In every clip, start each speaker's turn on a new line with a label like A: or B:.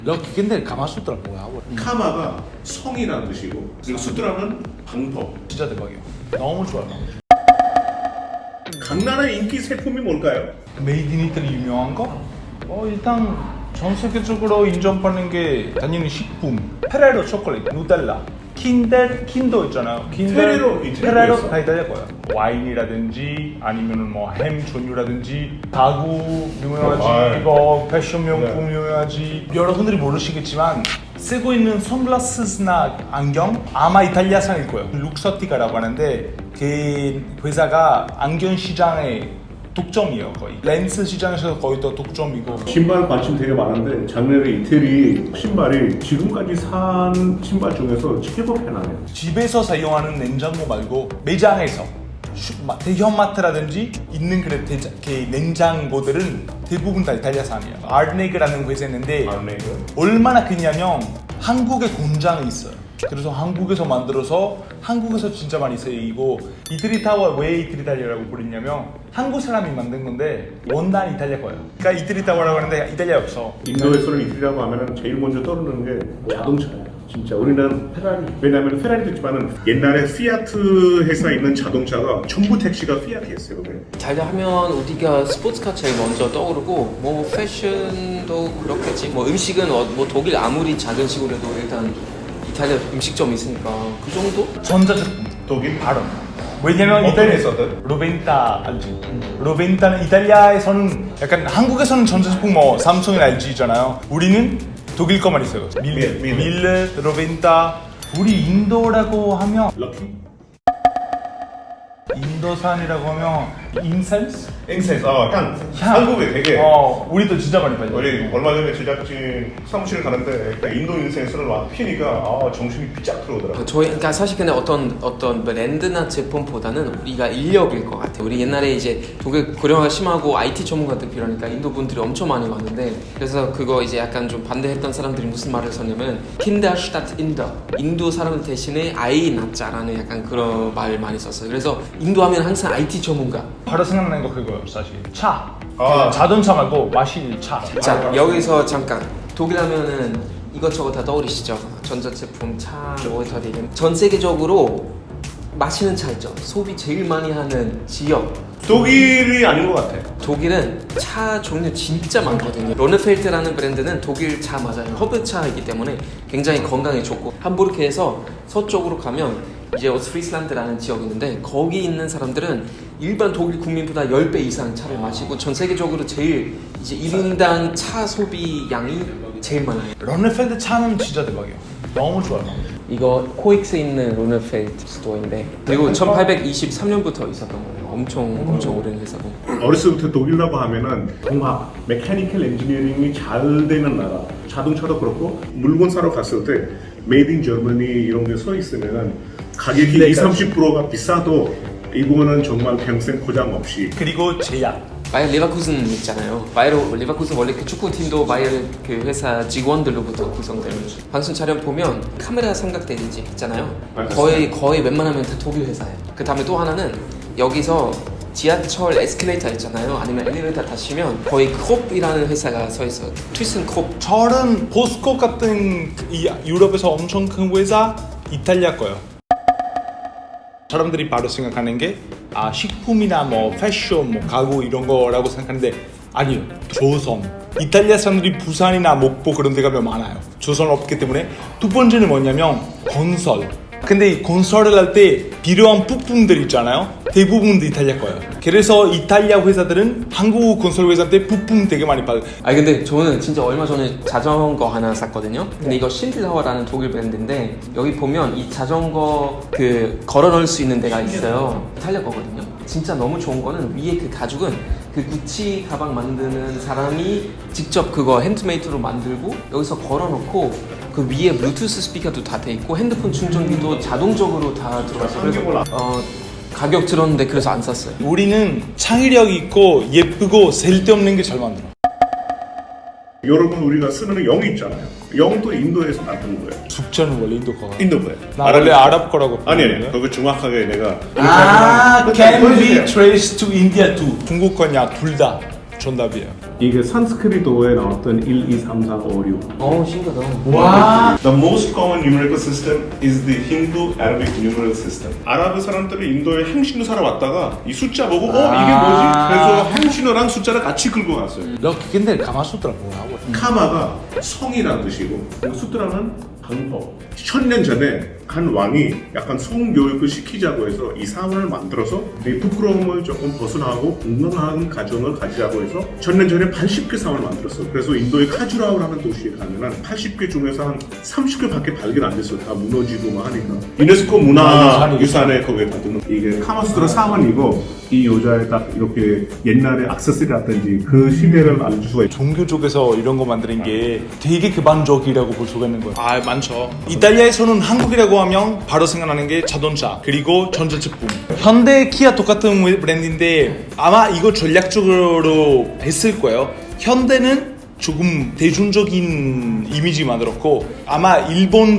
A: 럭키 근데 가마수트라 뭐야?
B: 카마가 성이라는 뜻이고 그리고 수트라는 방법.
A: 진짜 대박이야. 너무 좋아.
B: 강나라의 인기 제품이 뭘까요?
A: 메이드 인 이탈리 유명한 거? 일단 전 세계적으로 인정받는 게 당연히 식품. 페레로 초콜릿, 누텔라, 킨도 있잖아요.
B: 페레로
A: 다 이탈리아 거야. 와인이라든지 아니면은 뭐 햄 종류라든지 가구 유명하지, 이거 패션 명품 유명하지. 여러분들이 모르시겠지만 쓰고 있는 선글라스나 안경 아마 이탈리아산일 거예요. 룩서티카라고 하는데 그 회사가 안경 시장의 독점이에요. 거의 렌즈 시장에서 거의 더 독점이고.
B: 신발 관심 되게 많은데 작년에 이태리 신발이 지금까지 산 신발 중에서 최고 편하네요.
A: 집에서 사용하는 냉장고 말고 매장에서 대형마트라든지 있는 그 냉장고들은 대부분 다 이탈리아산이에요. 아르네그라는 회사 있는데 얼마나 크냐면 한국에 공장이 있어요. 그래서 한국에서 만들어서 한국에서 진짜 많이 쓰이고, 이태리 타워 왜 이태리 타워라고 부르냐면 한국 사람이 만든 건데 원단 이탈리아 거예요. 그러니까 이태리 타워라고 하는데 이탈리아 없어.
B: 인도에서는 이태리라고 하면은 제일 먼저 떠오르는 게 자동차예요. 진짜 우리는 페라리, 왜냐면 페라리도 있지만은 옛날에 피아트 회사에 있는 자동차가 전부 택시가 피아트였어요.
C: 이탈리아하면 우리가 스포츠카 제일 먼저 떠오르고 뭐 패션도 그렇겠지. 뭐 음식은 뭐 독일 아무리 작은 시골에도 일단 이탈리아 음식점이 있으니까 그 정도?
A: 전자제품
B: 독일
A: 바로. 왜냐면 이탈리아에서는 로벤타 알지? 로벤타는 이탈리아에서는 약간 한국에서는 전자제품 뭐 삼성이나 LG잖아요. 우리는 독일 거만 있어요. 밀레, 로벤타. 우리 인도라고 하면
B: 럭키?
A: 인도산이라고 하면 인센스?
B: 인센스, 향. 한국에 되게
A: 우리도 진짜 많이 팔죠.
B: 우리 얼마 전에 제작진 사무실 가는데 인도 인센스를 막 피니까 정신이 삐짝 들어오더라고요.
C: 그러니까 사실 근데 어떤 브랜드나 제품보다는 우리가 인력일 것 같아요. 우리 옛날에 이제 독일 고령화가 심하고 IT 전문가들 필요하니까 인도 분들이 엄청 많이 왔는데, 그래서 그거 이제 약간 좀 반대했던 사람들이 무슨 말을 썼냐면 Kinder statt Inder, 인도 사람들 대신에 아이 낳자라는 약간 그런 말 많이 썼어요. 그래서 인도 하면 항상 IT 전문가.
A: 바로 생각나는 거 그거예요, 사실. 차. 자동차 말고 마실 차.
C: 자, 여기서 잠깐. 독일 하면은 이것저것 다 떠오르시죠? 전자제품, 차, 워터리. 전 세계적으로 마시는 차 있죠? 소비 제일 많이 하는 지역.
B: 독일이 아닌 것 같아.
C: 독일은 차 종류 진짜 많거든요. 로네펠트라는 브랜드는 독일 차 맞아요. 허브차이기 때문에 굉장히 건강에 좋고, 함부르크에서 서쪽으로 가면 이제 오스프리슬란드라는 지역이 있는데 거기 있는 사람들은 일반 독일 국민보다 10배 이상 차를 마시고 전 세계적으로 제일 이제 1인당 차 소비 양이 제일 많아요.
A: 런네펠드 차는 진짜 대박이에요. 너무 좋아요.
C: 이거 코엑스에 있는 로네펠트 스토어인데, 그리고 1823년부터 있었던 거예요. 엄청 오랜 회사고.
B: 어렸을 때부터 독일이라고 하면은 공학, 메카니컬 엔지니어링이 잘 되는 나라. 자동차도 그렇고 물건 사러 갔을 때 메이드 인 저머니 이런 게 써 있으면은 가격이 20-30%가 비싸도 이거는 정말 평생 고장 없이.
A: 그리고 제약.
C: 바이어 리바쿠슨 있잖아요. 바이어 리바쿠슨 원래 그 축구팀도 바이어 그 회사 직원들로부터 구성되는. 방송 촬영 보면 카메라 삼각대지 있잖아요. 거의 웬만하면 다 독일 회사예요. 그 다음에 또 하나는 여기서 지하철 에스컬레이터 있잖아요. 아니면 엘리베이터 타시면 거의 콥이라는 회사가 서 있어요. 트위슨 콥.
A: 저는 포스코 같은 이 유럽에서 엄청 큰 회사 이탈리아 거예요. 사람들이 바로 생각하는 게 식품이나 뭐 패션, 뭐 가구 이런 거라고 생각하는데 아니요. 조선. 이탈리아 사람들이 부산이나 목포 그런 데 가면 많아요. 조선 없기 때문에. 두 번째는 뭐냐면 건설. 근데 이 건설을 할 때 필요한 부품들 있잖아요. 대부분 이탈리아 거예요. 그래서 이탈리아 회사들은 한국 건설 회사한테 부품 되게 많이 받아요.
C: 근데 저는 진짜 얼마 전에 자전거 하나 샀거든요. 근데 이거 신틀하워라는 독일 브랜드인데 여기 보면 이 자전거 그 걸어 넣을 수 있는 데가 있어요. 이탈리아 거거든요. 진짜 너무 좋은 거는 위에 그 가죽은 그 구찌 가방 만드는 사람이 직접 그거 핸드메이드로 만들고 여기서 걸어 놓고 그 위에 블루투스 스피커도 다 돼 있고 핸드폰 충전기도 자동적으로 다 들어가서 그래서 가격 들었는데 그래서 안 샀어요.
A: 우리는 창의력 있고 예쁘고 쓸데없는 게 잘 만들어.
B: 여러분 우리가 쓰는 영이 있잖아요. 영도 인도에서 만든 거예요.
A: 숙제는 원래 인도 거야.
B: 인도 거예요.
A: 나 원래 아랍 거라고.
B: 아니 그거 정확하게 내가
A: can be traced to India too. 중국 거냐 둘 다 정답이에요.
B: 이게 산스크리트어에 나왔던 1, 2, 3, 4, 5, 6.
C: 신기하다.
A: 와.
B: The most common numerical system is the Hindu-Arabic numeral system. 아랍 사람들이 인도에 행신로 살아왔다가 이 숫자 보고 이게 뭐지? 그래서 행신호랑 숫자를 같이 긁고 갔어요.
A: 너 근데 가마수트라 뭐라고?
B: 카마가 성이라는 뜻이고 수트라는 방법. 1000년 전에 한 왕이 약간 성교육을 시키자고 해서 이 사원을 만들어서 내 부끄러움을 조금 벗어나고 건강한 가정을 가지자고 해서 1000년 전에 80개 사원을 만들었어. 그래서 인도의 카주라우라는 도시에 가면은 80개 중에서 한 30개밖에 발견 안 됐어. 다 무너지고 막 하니까. 유네스코 문화유산에 거기에 받은 이게 카마수트라 사원이고 이 여자의 딱 이렇게 옛날에 액세서리라든지 그 시대를 알려줄 수가 있죠.
A: 종교 쪽에서 이런 거 만드는 게 되게 기반적이라고 볼 수가 있는 거예요. 아, 많죠. 이탈리아에서는 한국이라고 하면 바로 생각나는 게 자동차 그리고 전자제품. 현대, 키아 똑같은 브랜드인데 아마 이거 전략적으로 했을 거예요. 현대는 조금 대중적인 이미지 만들었고 아마 일본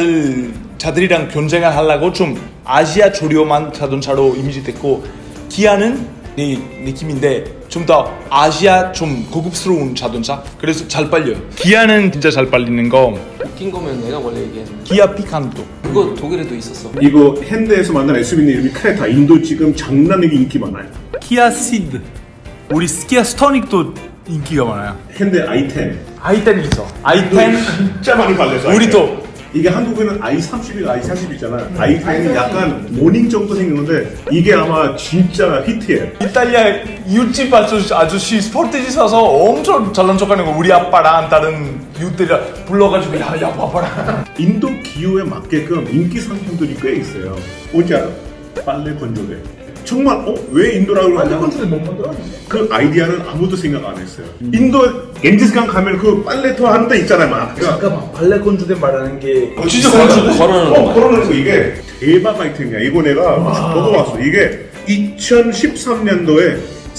A: 자들이랑 경쟁을 하려고 좀 아시아 조류만 자동차로 이미지 됐고 기아는 내 느낌인데 좀 더 아시아 좀 고급스러운 자동차 그래서 잘 빨려요. 기아는 진짜 잘 빨리는 거
C: 웃긴 거면 내가 원래 얘기한
A: 기아 피칸토.
C: 그거 독일에도 있었어.
B: 이거 현대에서 만든 SUV 이름이 크레타. 인도 지금 장난이게 인기 많아요.
A: 기아 시드. 우리 기아 스토닉도 인기가 많아요.
B: 현대 i10.
A: i10 있어. i10
B: 진짜 많이 팔렸어.
A: 우리도
B: 이게 한국에는 i30, i40 있잖아. i10이 약간 모닝 정도 생겼는데 이게 아마 진짜 히트예요.
A: 이탈리아 이웃집 아저씨 스포티지 사서 엄청 잘난 척하는 거 우리 아빠랑 다른 이웃들이랑 불러가지고 야 봐봐라.
B: 인도 기후에 맞게끔 인기 상품들이 꽤 있어요. 뭔지 알아? 빨래 건조대. 정말 왜 인도라고 하냐?
A: 못 만들었는데.
B: 그 아이디어는 아무도 생각 안 했어요. 인도 겐지스강 가면 그 빨래터 하는 데 있잖아요, 막.
A: 잠깐만 발레 건조대 말하는 게
B: 진짜
C: 걸어놓는 거.
B: 걸어놓는 거 이게 대박 아이템이야. 이거 내가 먹어봤어. 이게 2013년도에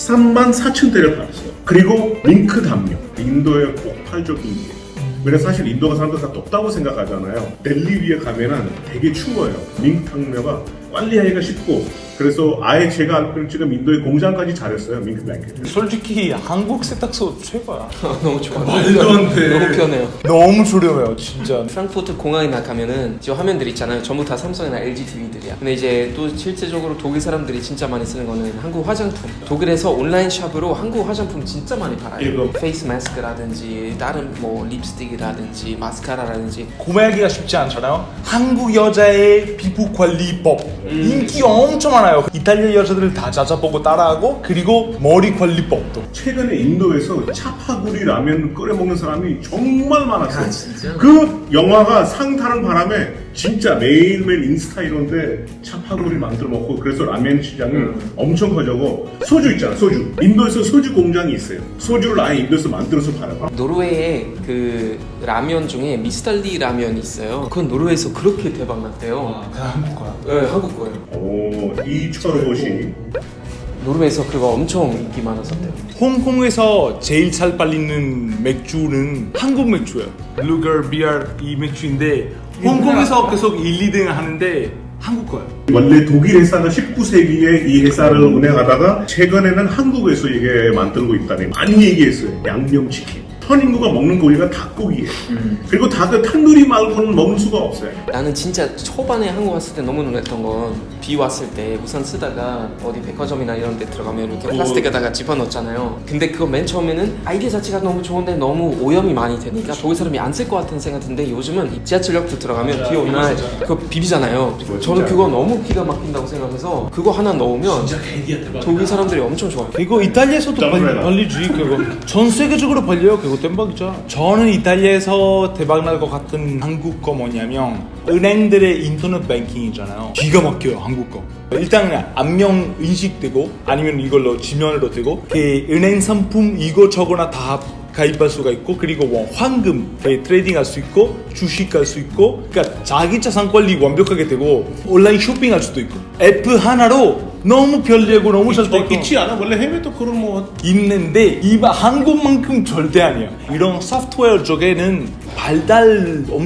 B: 34,000대를 팔았어요. 그리고 링크 담요. 인도의 폭발적 인기. 그래서 사실 인도가 사람들 다 덥다고 생각하잖아요. 델리 위에 가면은 되게 추워요. 링크 담요가 관리하기가 쉽고 그래서 아예 제가 알기로는 지금 인도의 공장까지 잘했어요. 밍크 블랭켓.
A: 솔직히 한국 세탁소 최고야.
C: 너무 좋아.
A: 말도 안 돼.
C: 너무 편해요.
A: 너무 저렴해요 진짜.
C: 프랑크푸르트 공항이나 가면은 지금 화면들 있잖아요. 전부 다 삼성이나 LG TV들이야. 근데 이제 또 실제적으로 독일 사람들이 진짜 많이 쓰는 거는 한국 화장품. 독일에서 온라인 샵으로 한국 화장품 진짜 많이 팔아요.
B: 이거.
C: 페이스 마스크라든지 다른 뭐 립스틱이라든지 마스카라라든지.
A: 구매하기가 쉽지 않잖아요. 한국 여자의 피부 관리법 인기 엄청 많아요. 이탈리아 여자들을 다 찾아보고 따라하고 그리고 머리 관리법도.
B: 최근에 인도에서 차파구리 라면 끓여 먹는 사람이 정말 많았어요.
C: 아, 진짜?
B: 그 영화가 상타는 바람에 진짜 매일매일 인스타 이런데 차파구리 만들어 먹고 그래서 라면 시장이 엄청 커져고 소주 있잖아. 소주. 인도에서 소주 공장이 있어요. 소주를 아예 인도에서 만들어서 팔아요.
C: 노르웨이에 그 라면 중에 미스탈리 라면이 있어요. 그건 노르웨이에서 그렇게 대박 났대요.
A: 그냥 한국 거야.
C: 네, 한국 거예요.
B: 오, 이 철옷이
C: 노르웨이에서 그거 엄청 인기 많았었대요.
A: 홍콩에서 제일 잘 팔리는 맥주는 한국 맥주예요. 루거 비어 이 맥주인데 홍콩에서 계속 1, 2등 하는데 한국 거예요.
B: 원래 독일 회사가 19세기에 이 회사를 운영하다가 최근에는 한국에서 이게 만들고 있다니 많이 얘기했어요. 양념치킨. 현인구가 먹는 고기가 닭고기예요. 그리고 닭을 탄두리 말고는 먹을 수가 없어요.
C: 나는 진짜 초반에 한국 왔을 때 너무 놀랐던 건 비 왔을 때 우산 쓰다가 어디 백화점이나 이런 데 들어가면 이렇게 플라스틱에다가 집어넣잖아요. 근데 그거 맨 처음에는 아이디어 자체가 너무 좋은데 너무 오염이 많이 되니까 독일 사람이 안 쓸 것 같은 생각 드는데 요즘은 지하철역도 들어가면 비 오는 날 그거 비비잖아요. 저는 그거 너무 기가 막힌다고 생각해서 그거 하나 넣으면 독일 사람들이 엄청 좋아해요.
A: 이거 이탈리아에서도 팔리지. 그거 전 세계적으로 팔려요. 그거 땜박이죠. 저는 이탈리아에서 대박 날 것 같은 한국 거 뭐냐면 은행들의 인터넷 뱅킹이잖아요. 기가 막혀요 한국 거. 일단 안면 인식되고 아니면 이걸로 지면으로 되고 그 은행 상품 이거저거나 다 가입할 수가 있고 그리고 뭐 황금 트레이딩 할 수 있고 주식 할 수 있고 그러니까 자기 자산 관리 완벽하게 되고 온라인 쇼핑할 수도 있고 앱 하나로 너무 편리하고 너무 잘 되고
B: 있지 않아? 원래 해외도 그런 뭐
A: 있는데 한국만큼 절대 아니에요. 이런 소프트웨어 쪽에는 발달 엄청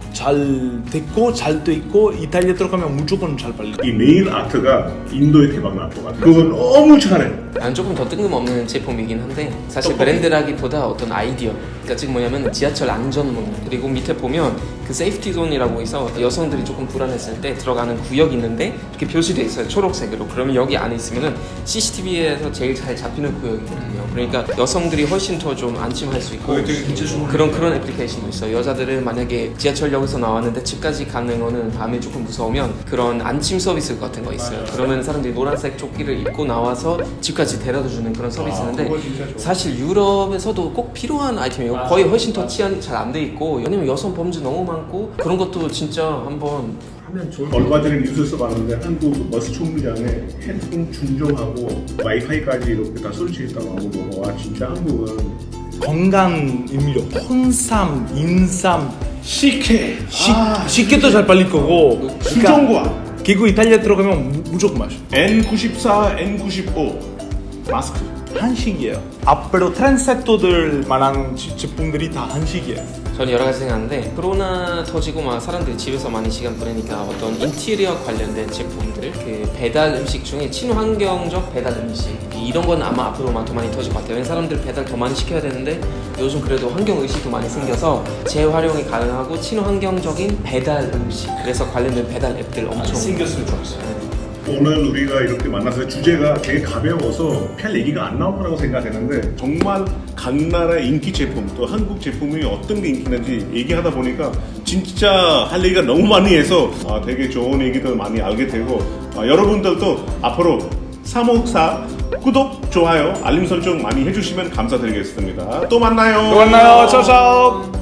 A: 잘 됐고 잘 돼 있고 이탈리아 들어가면 무조건 잘 팔릴 거야.
B: 이 네일 아트가 인도에 대박 날 것 같아. 그거 너무 잘해.
C: 난 조금 더 뜬금없는 제품이긴 한데 사실 브랜드라기보다 어떤 아이디어. 그러니까 지금 뭐냐면 지하철 안전문 그리고 밑에 보면 그 세이프티 존이라고 해서 여성들이 조금 불안했을 때 들어가는 구역이 있는데 이렇게 표시돼 있어요 초록색으로. 그러면 여기 안에 있으면은 CCTV에서 제일 잘 잡히는 구역이거든요. 그러니까 여성들이 훨씬 더 좀 안심할 수 있고 그런 애플리케이션도 있어요. 여자들은 만약에 지하철역에서 나왔는데 집까지 가는 거는 밤에 조금 무서우면 그런 안심 서비스 같은 거 있어요. 그러면 사람들이 노란색 조끼를 입고 나와서 집까지 데려다 주는 그런 서비스 있는데
B: 그거 진짜 좋아.
C: 사실 유럽에서도 꼭 필요한 아이템이에요. 거의 훨씬 더 치안이 잘 안 돼 있고 왜냐면 여성 범죄 너무 많고 그런 것도 진짜 한번 하면 좋을 것 같아요.
B: 얼마 전에 뉴스에서 봤는데 한국 버스 총무장에 핸드폰 충전하고 와이파이까지 이렇게 다 설치했다고 하고 보고 와 진짜 한국은
A: 건강 음료, 홍삼, 인삼, 식혜, 식혜도 잘 팔릴 거고. 그러니까
B: 수정과
A: 그리고 이탈리아 들어가면 무조건 마셔.
B: N94, N95 마스크.
A: 한식이에요. 앞으로 트렌셋도들 만한 제품들이 다 한식이에요.
C: 저는 여러 가지 생각하는데 코로나 터지고 막 사람들이 집에서 많이 시간 보내니까 어떤 인테리어 관련된 제품들 그 배달 음식 중에 친환경적 배달 음식 이런 건 아마 앞으로만 더 많이 터질 것 같아요. 왜냐면 사람들 배달 더 많이 시켜야 되는데 요즘 그래도 환경 의식도 많이 생겨서 재활용이 가능하고 친환경적인 배달 음식 그래서 관련된 배달 앱들 엄청
A: 생겼으면 좋겠어요.
B: 오늘 우리가 이렇게 만나서 주제가 되게 가벼워서 별 얘기가 안 나올 거라고 생각했는데 정말 각 나라의 인기 제품 또 한국 제품이 어떤 게 인기인지 얘기하다 보니까 진짜 할 얘기가 너무 많이 해서 되게 좋은 얘기도 많이 알게 되고 여러분들도 앞으로 354 구독, 좋아요, 알림 설정 많이 해주시면 감사드리겠습니다. 또 만나요.
A: 또 만나요. 차차.